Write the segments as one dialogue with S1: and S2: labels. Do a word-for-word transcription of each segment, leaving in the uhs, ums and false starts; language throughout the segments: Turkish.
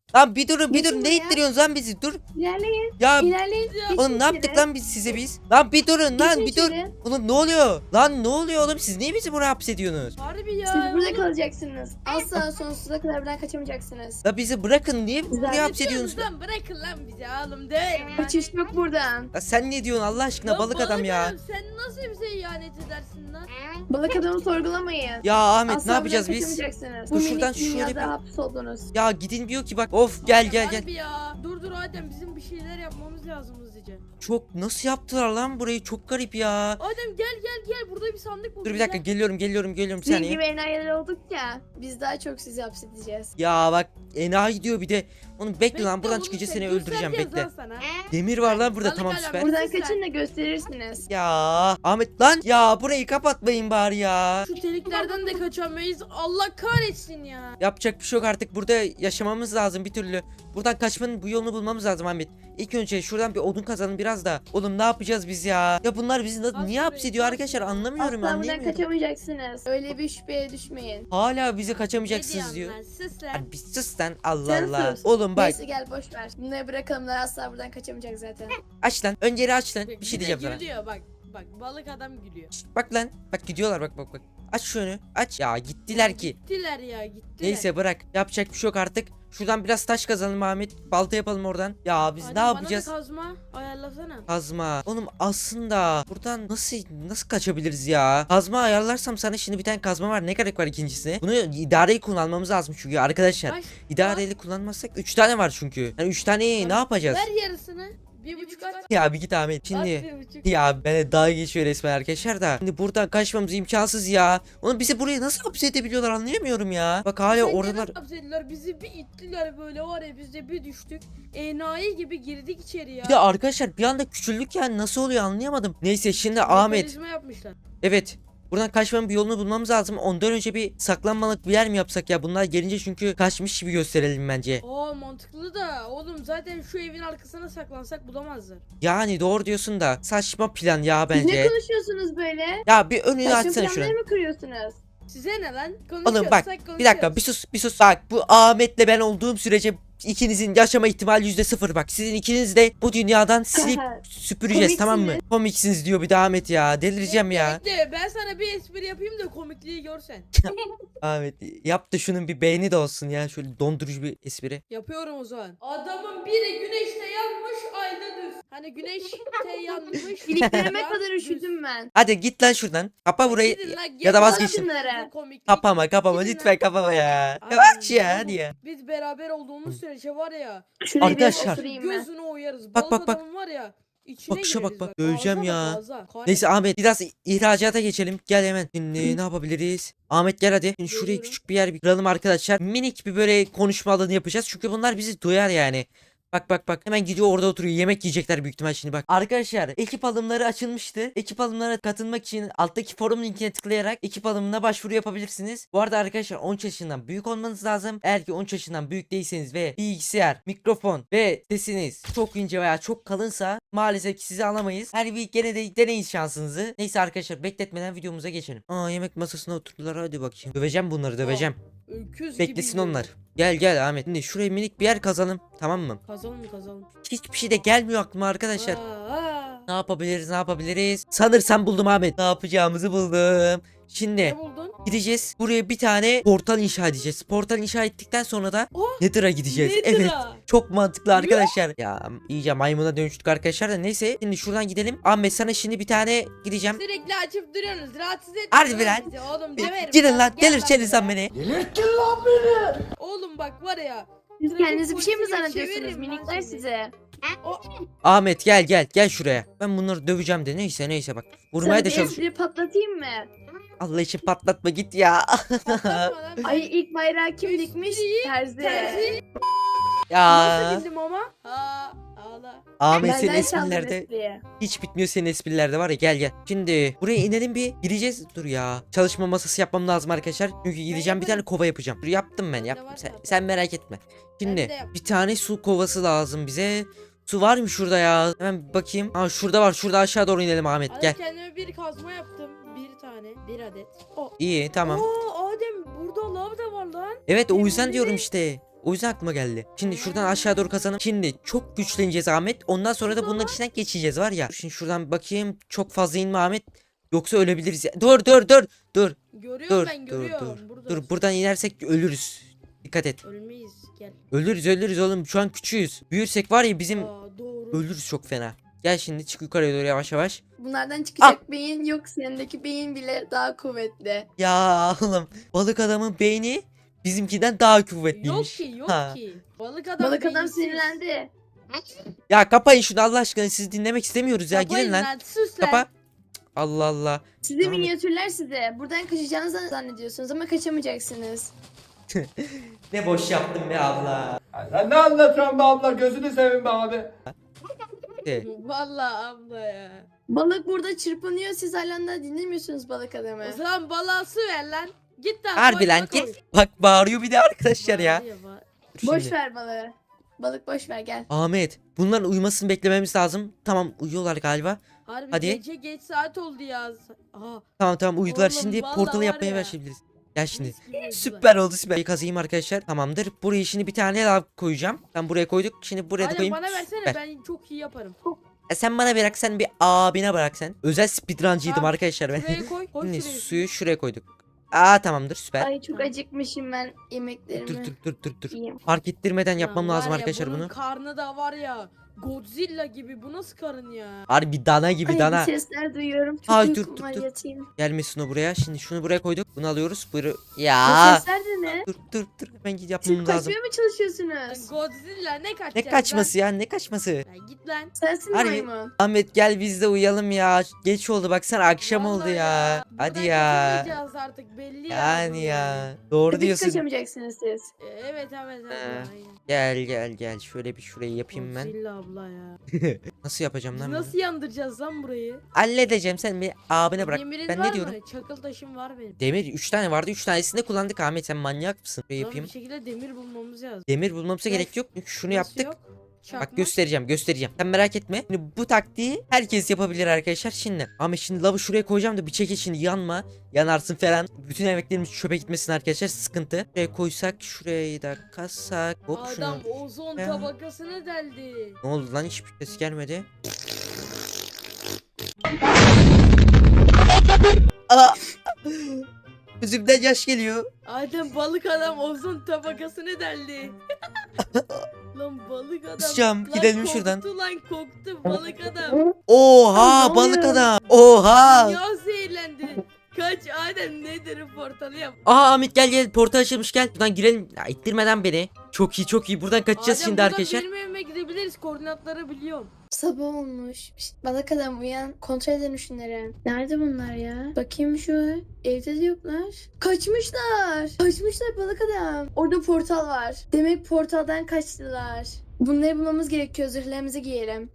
S1: Lan bir durun bir
S2: Geçin
S1: durun ne
S2: buraya.
S1: ittiriyorsunuz lan bizi dur.
S2: İlerleyin.
S1: Ya
S2: İlerleyin. Geçin
S1: oğlum ne yaptık
S2: içeri.
S1: lan biz size biz? Lan bir durun lan
S2: Geçin
S1: bir dur.
S2: içeri.
S1: Oğlum ne oluyor? Lan ne oluyor oğlum siz niye bizi buraya hapsediyorsunuz?
S3: Harbi ya.
S2: Siz burada
S3: oğlum.
S2: kalacaksınız. Asla sonsuza kadar buradan kaçamayacaksınız.
S1: La bizi bırakın niye
S2: Güzel.
S1: buraya
S3: Ne
S1: hapsediyorsunuz?
S3: diyorsunuz lan? Bırakın lan bizi oğlum değil.
S2: Kaçış yok buradan.
S1: La sen ne diyorsun Allah aşkına
S3: Lan
S1: balık adam ya.
S3: Sen nasıl bize ihanet edersin lan?
S2: Balık adamı sorgulamayın.
S1: Ya Ahmet
S2: Asla
S1: ne yapacağız
S2: buradan
S1: biz?
S2: kaçamayacaksınız.
S1: Dur
S2: Bu
S1: şuradan
S2: minik
S1: şöyle
S2: dünyada
S1: bir-
S2: hapis oldunuz.
S1: Ya gidin diyor ki bak of gel gel gel.
S3: Harbi ya. Dur dur Adem bizim bir şeyler yapmamız lazım hızlıca.
S1: Çok nasıl yaptılar lan burayı çok garip ya.
S3: Adem gel gel gel burada bir sandık buldum.
S1: Dur bir dakika
S3: gel.
S1: geliyorum geliyorum geliyorum bir
S2: Sizin
S1: saniye.
S2: gibi enayiler olduk ya. Biz daha çok sizi hapsedeceğiz.
S1: Ya bak enayi diyor bir de. Onu bekle,
S3: Bekle
S1: lan buradan
S3: oğlum,
S1: çıkınca
S3: sen
S1: seni öldüreceğim
S3: göstereceğiz
S1: bekle.
S3: lan sana.
S1: Demir var lan burada
S3: Balık
S1: tamam
S3: adam.
S1: süper.
S2: Buradan
S3: Sizler.
S2: kaçın da gösterirsiniz.
S1: Ya Ahmet lan ya burayı kapatmayın bari ya.
S3: Şu deliklerden de kaçamayız. Allah kahretsin ya.
S1: Yapacak bir şey yok artık burada yaşamamız lazım bir türlü. Buradan kaçmanın bu yolunu bulmamız lazım Ahmet. İlk önce şuradan bir odun kazalım biraz da. Oğlum ne yapacağız biz ya? Ya bunlar bizi na-
S3: Bas
S1: niye
S3: burayı,
S1: hapsediyor
S3: bas
S1: arkadaşlar
S3: burayı.
S1: anlamıyorum
S2: Asla buradan
S1: anlayamıyorum.
S2: kaçamayacaksınız. Öyle bir şüpheye düşmeyin.
S1: Hala bize
S3: Ne
S1: kaçamayacaksınız diyor.
S3: diyorsun lan? Sus lan.
S1: Lan bir sus lan Allah
S2: Sen
S1: Allah.
S2: sus.
S1: Oğlum bak
S2: Neyse gel boş ver. Bunları bırakalım da asla buradan kaçamayacak zaten.
S1: aç lan önce aç lan bir
S3: Bir
S1: şey
S3: de
S1: diyeceğim sana.
S3: Gülüyor bak. Bak balık adam gülüyor.
S1: Şşt, bak lan bak gidiyorlar bak bak bak. Aç şu önü aç. Ya gittiler ki.
S3: Gittiler ya gittiler.
S1: Neyse bırak yapacak bir şey yok artık. Şuradan biraz taş kazalım Ahmet. Balta yapalım oradan. Ya biz
S3: Adem,
S1: ne yapacağız?
S3: Bana da kazma ayarlasana.
S1: Kazma. Oğlum aslında buradan nasıl nasıl kaçabiliriz ya? Kazma ayarlarsam sana şimdi bir tane kazma var. Ne gerek var ikincisine? Bunu idareli kullanmamız lazım çünkü arkadaşlar.
S3: Kaç?
S1: İdareli kullanmazsak üç tane var çünkü. Yani üç taneyi ne yapacağız?
S3: Ver yarısını. Bir buçuk at.
S1: Ya bir git Ahmet.
S3: At
S1: Şimdi
S3: bir buçuk.
S1: ya bana dalga geçiyor resmen arkadaşlar da. Şimdi buradan kaçmamız imkansız ya. Oğlum bizi buraya nasıl hapsedebiliyorlar anlayamıyorum ya. Bak hala
S3: Sen
S1: oralar.
S3: neden hapsettiler? Bizi bir ittiler böyle var ya biz de bir düştük. Enayi gibi girdik içeri ya.
S1: Bir de arkadaşlar bir anda küçüldük yani nasıl oluyor anlayamadım. Neyse şimdi Ahmet.
S3: Mekanizma yapmışlar.
S1: Evet. Buradan kaçmanın bir yolunu bulmamız lazım. Ondan önce bir saklanmalık bir yer mi yapsak ya? Bunlar gelince çünkü kaçmış gibi gösterelim bence.
S3: Aa mantıklı da oğlum zaten şu evin arkasına saklansak bulamazlar.
S1: Yani doğru diyorsun da saçma plan ya
S2: Siz ne
S1: bence.
S2: konuşuyorsunuz böyle?
S1: Ya bir önünü
S2: Saçma
S1: açsana şunu.
S2: planları mı kuruyorsunuz?
S3: Size ne lan?
S1: Oğlum bak
S3: Konuşuyorsak
S1: bir
S3: konuşuyoruz.
S1: dakika bir sus bir sus. Bak bu Ahmet'le ben olduğum sürece ikinizin yaşama ihtimali yüzde sıfır bak. Sizin ikiniz de bu dünyadan silip süpüreceğiz tamam mı?
S2: Komiksiniz.
S1: Komiksiniz diyor bir de Ahmet ya. Delireceğim ya.
S3: Bekle, ben sana bir espri yapayım da komikliği görsen.
S1: Ahmet yap da şunun bir beğeni de olsun ya. Şöyle dondurucu bir espri.
S3: Yapıyorum o zaman. Adamın biri güneşte yanmış ayda düz. Hani güneşte yanmış.
S2: İliklerime
S3: ya
S2: kadar
S3: düz.
S2: üşüdüm ben.
S1: Hadi git lan şuradan. Kapa burayı.
S3: Gidin lan,
S1: ya da
S3: gidin
S1: vazgeçtim.
S3: lan.
S2: Şunlara.
S3: Komiklik.
S1: Kapama kapama
S3: Gidin
S1: lütfen
S3: lan.
S1: kapama ya. Ya
S3: Aynen,
S1: aç ya
S3: tamam.
S1: hadi ya.
S3: Biz beraber olduğumuz sürece var ya.
S2: Şuraya biraz
S1: Arkadaşlar.
S2: oturayım ben.
S3: Gözünü oyarız.
S1: Bak,
S3: Balık
S1: bak, bak.
S3: adamın var ya. İçine
S1: Bakışa bak,
S3: gireriz
S1: bak. Döveceğim
S3: Ağza
S1: ya.
S3: bak, ağza. Kahretsin.
S1: Neyse Ahmet biraz ihracata geçelim. Gel hemen. Şimdi ne yapabiliriz? Ahmet gel hadi. Şimdi şuraya
S3: Geliyorum.
S1: küçük bir yer bir kuralım arkadaşlar. Minik bir böyle konuşma alanı yapacağız. Çünkü bunlar bizi duyar yani. Bak bak bak hemen gidiyor orada oturuyor yemek yiyecekler büyük ihtimal şimdi bak. Arkadaşlar ekip alımları açılmıştı. Ekip alımlarına katılmak için alttaki forum linkine tıklayarak ekip alımına başvuru yapabilirsiniz. Bu arada arkadaşlar on üç yaşından büyük olmanız lazım. Eğer ki on üç yaşından büyük değilseniz ve bilgisayar, mikrofon ve sesiniz çok ince veya çok kalınsa maalesef ki sizi alamayız. Her bir gene de deneyin şansınızı. Neyse arkadaşlar bekletmeden videomuza geçelim. Aa yemek masasına oturdular hadi bakayım. Döveceğim bunları döveceğim.
S3: Öküz
S1: Beklesin
S3: gibi
S1: onlar. Gel gel Ahmet. Şimdi şuraya minik bir yer kazalım. Tamam mı?
S3: Kazalım kazalım.
S1: Hiçbir şey de gelmiyor aklıma arkadaşlar.
S3: Aa, aa.
S1: Ne yapabiliriz ne yapabiliriz? Sanırsam buldum Ahmet. Ne yapacağımızı buldum. Şimdi
S3: Ne buldun?
S1: gideceğiz. Buraya bir tane portal inşa edeceğiz. Portal inşa ettikten sonra da
S3: Oh,
S1: Nether'a gideceğiz.
S3: Nether'a.
S1: Evet. Çok mantıklı arkadaşlar. Ya iyice maymuna dönüştük arkadaşlar da neyse. Şimdi şuradan gidelim. Ahmet sana şimdi bir tane gideceğim.
S3: Sürekli açıp duruyorsunuz. Rahatsız etmeyin.
S1: Harbi
S3: oğlum
S1: lan.
S3: bizi. Oğlum döverim.
S1: Gidin
S3: Bak,
S1: lan
S3: gel
S1: delirteceksin
S3: buraya.
S1: sen beni.
S3: Oğlum bak var ya.
S2: Siz
S3: Trafik
S2: kendinizi bir şey mi
S3: polisi gibi
S2: zannediyorsunuz
S3: çeviririm ben
S2: minikler
S3: seni.
S2: size?
S3: O,
S1: Ahmet gel gel gel şuraya. Ben bunları döveceğim de neyse neyse bak. Vurmaya
S2: Sana
S1: da
S2: bir
S1: çalış.
S2: espri patlatayım mı?
S1: Allah için patlatma git ya.
S3: patlatma lan.
S2: Ay ilk bayrağı kim
S3: Üst
S2: dikmiş?
S3: değil,
S2: Terzi.
S3: Terzi.
S1: Ya
S3: Nasıl bildim ama? Ha, ağla.
S1: Ahmet senin
S2: Benden çaldın
S1: esprilerde
S2: espriyi.
S1: hiç bitmiyor senin esprilerde var ya gel gel. Şimdi buraya inelim bir gireceğiz. Dur ya. Çalışma masası yapmam lazım arkadaşlar. Çünkü gideceğim bir tane
S3: yaparım.
S1: kova yapacağım. Dur yaptım ben yaptım.
S3: var
S1: Sen,
S3: zaten.
S1: sen merak etme. Şimdi
S3: Ben de yaptım.
S1: bir tane su kovası lazım bize. Su var mı şurada ya? Hemen bir bakayım. Ha şurada var. Şurada aşağı doğru inelim Ahmet
S3: Adem
S1: gel.
S3: kendime bir kazma yaptım. Bir tane. Bir adet. O.
S1: İyi tamam.
S3: Oo Adem burada lav da var lan.
S1: Evet o yüzden
S3: Yemin
S1: diyorum
S3: ederim.
S1: işte. O yüzden aklıma geldi. Şimdi şuradan aşağı doğru kazanım. Şimdi çok güçleneceğiz Ahmet. Ondan sonra da bunların içinden geçeceğiz var ya. Şimdi şuradan bakayım. Çok fazla inme Ahmet. Yoksa ölebiliriz ya. Dur dur dur. Dur.
S3: Görüyorum
S1: Dur.
S3: ben
S1: Dur
S3: görüyorum.
S1: dur.
S3: Burada.
S1: Dur buradan inersek ölürüz. Dikkat et.
S3: Ölmeyiz gel.
S1: Ölürüz ölürüz oğlum. Şu an küçüğüz. Büyürsek var ya bizim
S3: Aa, doğru.
S1: ölürüz çok fena. Gel şimdi çık yukarıya doğru yavaş yavaş.
S2: Bunlardan çıkacak beyin yok. Yanındaki beyin bile daha kuvvetli.
S1: Ya oğlum balık adamın beyni bizimkiden daha
S3: Yok
S1: kuvvetliymiş.
S3: ki yok
S1: Ha.
S3: ki. Balık adam
S2: Balık adam
S3: beyinsiz.
S2: sinirlendi.
S1: Ya kapayın şunu Allah aşkına sizi dinlemek istemiyoruz ya.
S3: Kapayın
S1: Gidin lan.
S3: Sus lan.
S1: Kapa. Cık, Allah Allah.
S2: Sizi
S1: Tamam.
S2: minyatürler size. Buradan kaçacağınızı zannediyorsunuz ama kaçamayacaksınız.
S1: Ne boş yaptım be abla.
S4: Sen ne anlatıyorsun be abla, gözünü seveyim be abi.
S1: De.
S3: Vallahi abla ya.
S2: Balık burada çırpınıyor. Siz hala da dinlemiyorsunuz balık adamı.
S3: O zaman balığa su ver lan. Git lan.
S1: Harbi
S3: koy,
S1: lan
S3: koy.
S1: git. Bak bağırıyor bir de arkadaşlar ya.
S3: Bağırıyor, bağır-
S1: Dur
S2: Boş
S1: şimdi.
S2: ver balığı. Balık boş ver gel.
S1: Ahmet bunların uyumasını beklememiz lazım. Tamam uyuyorlar galiba.
S3: Harbi
S1: Hadi.
S3: gece geç saat oldu ya. Aha.
S1: Tamam tamam uyudular.
S3: Oğlum,
S1: Şimdi
S3: vallahi
S1: portalı
S3: var
S1: yapmaya
S3: ya.
S1: başlayabiliriz. Gel şimdi.
S3: mis gibi uyudular.
S1: Süper oldu süper. Kazayım arkadaşlar. Tamamdır. Buraya şimdi bir tane daha koyacağım. Ben buraya koyduk. Şimdi buraya da
S3: Adem
S1: koyayım.
S3: bana versene
S1: Süper.
S3: ben çok iyi yaparım.
S1: E sen bana bırak sen bir abine bırak sen. Özel speedruncıydım
S3: Tamam,
S1: arkadaşlar ben.
S3: Şuraya koy. Koy
S1: Şimdi
S3: şuraya.
S1: suyu şuraya koyduk. Aa tamamdır süper.
S2: Ay çok acıkmışım ben yemeklerimi.
S1: Dur dur dur dur dur.
S2: yiyeyim.
S1: Fark ettirmeden
S3: Lan
S1: yapmam
S3: var
S1: lazım
S3: ya,
S1: arkadaşlar
S3: bunun
S1: bunu.
S3: karnı da var ya. Godzilla gibi bu nasıl karın ya?
S1: Harbi dana gibi
S2: Ay
S1: dana.
S2: bir sesler duyuyorum. Çok
S1: Ay, dur,
S2: uykum
S1: dur,
S2: var
S1: dur.
S2: yatayım.
S1: Gelmesin o buraya. Şimdi şunu buraya koyduk. Bunu alıyoruz. Buyur.
S2: Bu
S1: Ya.
S2: sesler de ne?
S1: Dur dur dur. Hemen git
S2: Siz
S1: yapmam lazım.
S2: kaçmaya mı çalışıyorsunuz?
S3: Godzilla ne kaçacak?
S1: Ne kaçması ya ne kaçması?
S3: Lan? Ya git lan.
S2: Sensin
S1: Harbi-
S2: maymun.
S1: Ahmet gel biz de uyuyalım ya. Geç oldu baksana akşam oldu
S3: Vallahi
S1: ya. Hadi
S3: Buradan
S1: ya.
S3: kaçamayacağız artık belli ya.
S1: Yani
S3: bu
S1: ya. Doğru
S2: Hiç
S1: diyorsun.
S2: kaçamayacaksınız siz.
S3: E, Evet evet evet.
S1: Ee,
S3: aynen.
S1: Gel gel gel. Şöyle bir şurayı yapayım ben.
S3: Godzilla abla ya.
S1: Nasıl yapacağım
S3: Biz
S1: lan bunu?
S3: nasıl yandıracağız lan burayı?
S1: Halledeceğim sen bir abine bırak.
S3: Demiriniz
S1: Ben
S3: var
S1: ne diyorum?
S3: mı? Çakıl taşım var benim.
S1: Demir üç tane vardı. üç tanesini de kullandık Ahmet. Sen manyak mısın? Şöyle
S3: Lan
S1: yapayım.
S3: bir şekilde demir bulmamız lazım.
S1: Demir bulmamıza
S3: Nasıl-
S1: gerek yok. Çünkü şunu
S3: Nasıl
S1: yaptık.
S3: yok?
S1: Bak
S3: Çakmak.
S1: göstereceğim göstereceğim. Sen merak etme. Şimdi bu taktiği herkes yapabilir arkadaşlar. Şimdi Ahmet şimdi lavı şuraya koyacağım da bir çekil şimdi yanma. Yanarsın falan. Bütün emeklerimiz çöpe gitmesin arkadaşlar. Sıkıntı. Şuraya koysak şurayı da kassak. Hop şunu.
S3: Adam ozon
S1: Ya.
S3: tabakasını deldi.
S1: Ne oldu lan hiçbir ses gelmedi. Aa! Gözümden yaş geliyor.
S3: Adem balık adam ozon tabakasını deldi. Lan balık adam.
S1: Kusacağım,
S3: Lan
S1: gidelim
S3: koktu
S1: şuradan.
S3: lan koktu balık adam.
S1: Oha
S2: Ne
S1: balık
S2: oluyor?
S1: adam. Oha.
S3: Ya zehirlendi. Kaç Adem nedir portalı yap.
S1: Aa Ahmet gel gel portal açılmış gel. Buradan girelim. Ya, ittirmeden beni. Çok iyi çok iyi. Buradan kaçacağız
S3: Adem
S1: şimdi
S3: buradan
S1: arkadaşlar.
S3: benim evime gidebiliriz koordinatları biliyorum.
S2: Sabah olmuş. Şşt, balık adam uyan. Kontrol edin şunları. Nerede bunlar ya? Bakayım şu. Evde de yoklar. Kaçmışlar. Kaçmışlar balık adam. Orada portal var. Demek portaldan kaçtılar. Bunları bulmamız gerekiyor. Zırhlarımızı giyelim.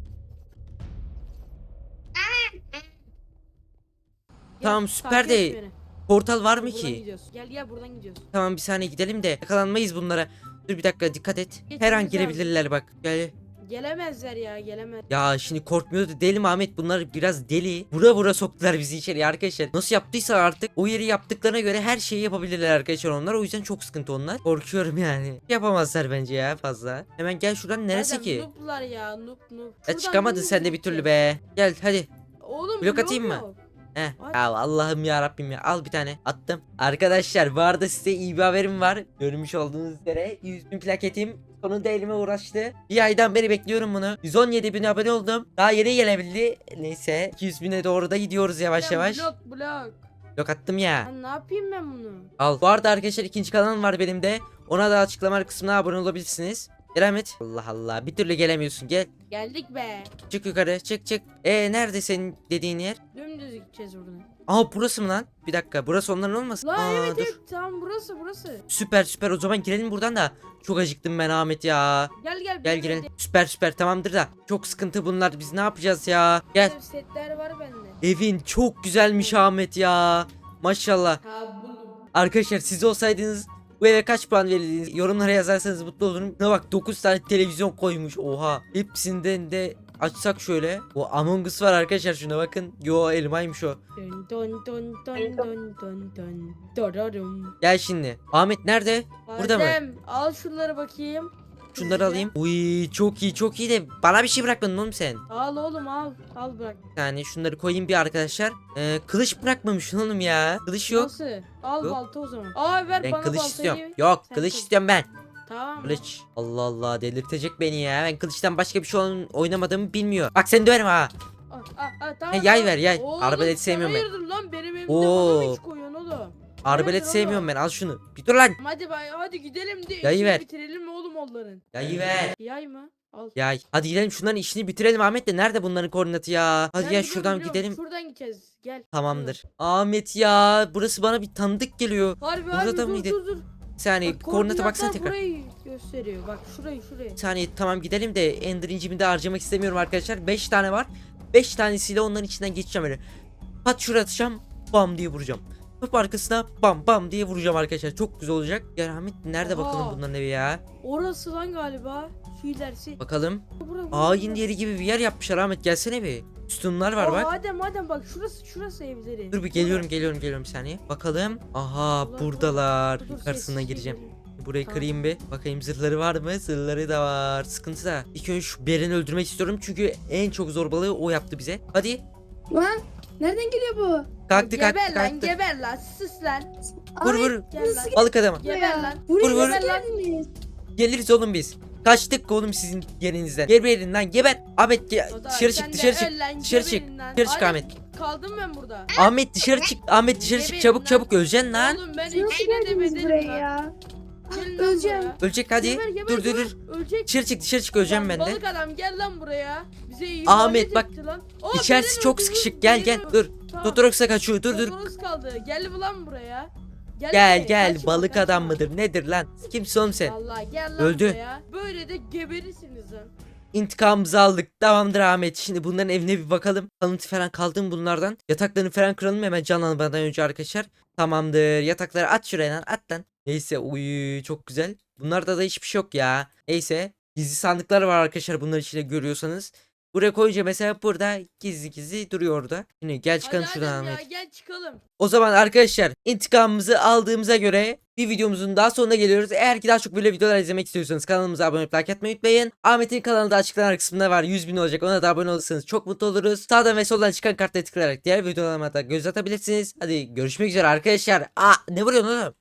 S1: Tamam,
S3: Gel,
S1: süper
S3: takip
S1: de-
S3: et beni.
S1: Portal var mı
S3: Buradan
S1: ki?
S3: gidiyoruz. Gel gel buradan gidiyoruz.
S1: Tamam bir saniye gidelim de yakalanmayız bunlara. Dur bir dakika dikkat et. Her an
S3: Geçmemiz
S1: girebilirler bak. Gel.
S3: Gelemezler ya gelemez.
S1: Ya şimdi korkmuyordu deli mi Ahmet, bunlar biraz deli. Vura vura soktular bizi içeriye arkadaşlar. Nasıl yaptıysa artık o yeri yaptıklarına göre her şeyi yapabilirler arkadaşlar onlar. O yüzden çok sıkıntı onlar. Korkuyorum yani. Yapamazlar bence ya fazla. Hemen gel şuradan neresi
S3: Adem,
S1: ki?
S3: Noob'lar ya noob noob.
S1: Ya
S3: Şuradan
S1: çıkamadın
S3: dümdüz
S1: sen de bir türlü
S3: gideceğiz.
S1: be. Gel hadi.
S3: Oğlum
S1: Blok
S3: blok
S1: atayım mı?
S3: yok.
S1: Heh.
S3: At.
S1: Ya Allah'ım ya Rabbim ya. Al bir tane. Attım. Arkadaşlar bu arada size iyi bir haberim var. Görmüş olduğunuz üzere yüz bin plaketim sonunda elime uğraştı. Bir aydan beri bekliyorum bunu. yüz on yedi bin abone oldum. Daha yeni gelebildi. Neyse iki yüz bine doğru da gidiyoruz yavaş
S3: Lan
S1: yavaş.
S3: Blok blok.
S1: Blok attım ya.
S3: Lan ne yapayım ben bunu?
S1: Al. Bu arada arkadaşlar ikinci kanalım var benim de. Ona da açıklama kısmına abone olabilirsiniz. Gel Ahmet. Allah Allah bir türlü gelemiyorsun, gel.
S3: Geldik be.
S1: Çık yukarı, çık çık. E nerede senin dediğin yer?
S3: Dümdüz gideceğiz buradan.
S1: Aa burası mı lan? Bir dakika burası onların olmasın?
S3: Lan
S1: Aa,
S3: evet
S1: dur.
S3: evet tamam burası burası.
S1: Süper süper, o zaman girelim buradan da. Çok acıktım ben Ahmet ya.
S3: Gel gel.
S1: Gel
S3: bir
S1: girelim.
S3: de-
S1: Süper süper tamamdır da. Çok sıkıntı bunlar, biz ne yapacağız ya? Gel.
S3: Setler var bende.
S1: Evin çok güzelmiş Ahmet ya. Maşallah.
S3: Ha buldum.
S1: Arkadaşlar siz olsaydınız bu eve kaç puan verirdiniz? Yorumlara yazarsanız mutlu olurum. Ne bak dokuz tane televizyon koymuş, oha. Hepsinden de açsak şöyle. O Among Us var arkadaşlar, şuna bakın. Yo, elmaymış o.
S3: Dön dön dön dön dön dön dön. Dararum.
S1: Gel şimdi. Ahmet nerede? Burada mı?
S3: Adem, al şunları bakayım.
S1: Şunları
S3: Hızlıca.
S1: alayım. Uy, çok iyi çok iyi de bana bir şey bırakmadın oğlum sen.
S3: Al oğlum al. Al bırak.
S1: Yani şunları koyayım bir arkadaşlar. Ee, kılıç bırakmamışsın oğlum ya. Kılıç yok.
S3: Nasıl? Al
S1: Yok.
S3: balta o zaman. Aa ver
S1: Ben
S3: bana
S1: kılıç
S3: baltayı.
S1: istiyorum. Yok,
S3: Sen
S1: kılıç
S3: kılıç.
S1: istiyorum ben.
S3: Tamam.
S1: Kılıç. Allah Allah, delirtecek beni ya. Ben kılıçtan başka bir şey oyn- oynamadığımı bilmiyor. Bak seni döverim ha.
S3: Aa, aa, aa, tamam,
S1: He, yay
S3: tamam.
S1: ver, yay.
S3: Oğlum,
S1: Arbalet
S3: sen
S1: sevmiyorum ben.
S3: hayırdır lan benim evimde
S1: Oo.
S3: bana mı hiç koyuyorsun oğlum?
S1: Arbalet
S3: Hayırdır
S1: sevmiyorum
S3: oğlum?
S1: ben. Al şunu. Bir dur lan.
S3: Hadi bay hadi gidelim de
S1: Yayı
S3: işini
S1: ver.
S3: bitirelim mi oğlum onların?
S1: Yayı ver.
S3: Yay mı? Al.
S1: Yay. Hadi gidelim şunların işini bitirelim Ahmet de. Nerede bunların koordinatı ya? Hadi
S3: Ben
S1: gel
S3: biliyorum,
S1: şuradan
S3: biliyorum.
S1: gidelim.
S3: Şuradan gideceğiz. Gel.
S1: Tamamdır. Ahmet ya, burası bana bir tanıdık geliyor.
S3: Harbi
S1: Burada
S3: harbi
S1: da
S3: dur
S1: mıydı?
S3: dur dur.
S1: Bir saniye,
S3: Bak,
S1: koordinata baksana
S3: koordinatlar
S1: tekrar.
S3: burayı gösteriyor. Bak şurayı şurayı.
S1: Bir saniye, tamam gidelim de Ender incimi de harcamak istemiyorum arkadaşlar. beş tane var. beş tanesiyle onların içinden geçeceğim öyle. Pat şuraya atacağım. Bam diye vuracağım. Hop arkasına bam bam diye vuracağım arkadaşlar. Çok güzel olacak. Ya Ahmet nerede
S3: Aha.
S1: bakalım bunların evi ya?
S3: Orası lan galiba. Şu ilerisi.
S1: Bakalım.
S3: Bura, bura,
S1: Ayin
S3: bura.
S1: yeri gibi bir yer yapmışlar Ahmet, gelsene bir. Sütunlar var
S3: Aa,
S1: bak.
S3: Adem Adem bak şurası şurası evleri.
S1: Dur bir geliyorum geliyorum geliyorum bir saniye. Bakalım. Aha,
S3: Dur, dur,
S1: buradalar.
S3: Dur, dur,
S1: Yukarısına
S3: sessiz
S1: gireceğim.
S3: gidelim.
S1: Burayı
S3: Tamam.
S1: kırayım bir. Bakayım zırhları var mı? Zırhları da var. Sıkıntı da. İlk önce şu Beren'i öldürmek istiyorum. Çünkü en çok zorbalığı o yaptı bize. Hadi.
S2: Lan nereden geliyor bu?
S1: Kalktı
S3: Geber
S1: kalktı
S3: lan
S1: kalktı.
S3: geber lan sus lan.
S1: Vur
S2: Ay,
S1: vur.
S3: Gel lan.
S1: Balık adamı.
S3: Geber lan.
S2: Buraya
S1: Vur, vur.
S2: nasıl geldiniz?
S1: Geliriz oğlum biz. Kaçtık oğlum sizin yerinizden. Geberin lan geber. Ahmet ge-
S3: O da
S1: dışarı
S3: sen
S1: çık
S3: de
S1: dışarı çık.
S3: öl lan,
S1: Dışarı çık.
S3: geberin lan.
S1: Dışarı çık
S3: Adem,
S1: Ahmet.
S3: Kaldım ben burada.
S1: Ahmet dışarı çık. Ahmet dışarı çık.
S3: Geberin
S1: Çabuk
S3: lan.
S1: çabuk öleceksin lan.
S3: Oğlum ben
S2: Nasıl
S3: ikisine de
S2: geldiniz
S3: bedelim
S2: buraya
S3: lan.
S2: ya?
S3: Gelin lan
S2: Öleceğim.
S3: buraya.
S1: Ölecek hadi.
S3: Geber, geber,
S1: Dur dur
S3: geber.
S1: dur.
S3: Ölecek.
S1: Dışarı çık dışarı çık, öleceğim
S3: Lan
S1: ben de.
S3: Balık adam gel lan buraya. Bize iyi
S1: Ahmet, bak,
S3: Lan. Aa,
S1: İçerisi
S3: beni
S1: çok
S3: öldürdün,
S1: sıkışık. Gel
S3: beni
S1: gel.
S3: öldürdün.
S1: Dur.
S3: Tamam.
S1: Totorox'a kaçıyor. Dur dur.
S3: Totoros kaldı. Gel lan buraya. Gel,
S1: Gel
S3: buraya,
S1: gel.
S3: kaçma,
S1: Balık
S3: kaçma.
S1: adam mıdır? Nedir lan? Kimsin oğlum sen?
S3: Vallahi gel lan
S1: Öldü.
S3: buraya. Böyle de geberirsiniz lan.
S1: İntikamımızı aldık. Tamamdır Ahmet. Şimdi bunların evine bir bakalım. Kalıntı falan kaldı mı bunlardan? Yataklarını falan kıralım hemen canlanmadan önce arkadaşlar. Tamamdır. Yatakları at şuraya lan. At lan. Neyse, uy çok güzel. Bunlarda da hiçbir şey yok ya. Neyse. Gizli sandıklar var arkadaşlar, bunlar içinde görüyorsanız. Buraya koyunca mesela burada gizli gizli duruyor orada. Şimdi gel çıkalım
S3: Hadi
S1: şuradan
S3: Adem ya
S1: Ahmet.
S3: gel çıkalım.
S1: O zaman arkadaşlar intikamımızı aldığımıza göre bir videomuzun daha sonuna geliyoruz. Eğer ki daha çok böyle videolar izlemek istiyorsanız kanalımıza abone olup like atmayı unutmayın. Ahmet'in kanalı da açıklama kısmında var. yüz bin olacak, ona da abone olursanız çok mutlu oluruz. Sağdan ve soldan çıkan kartlara tıklayarak diğer videolarıma da göz atabilirsiniz. Hadi görüşmek üzere arkadaşlar. Aa, ne vuruyorsun oğlum?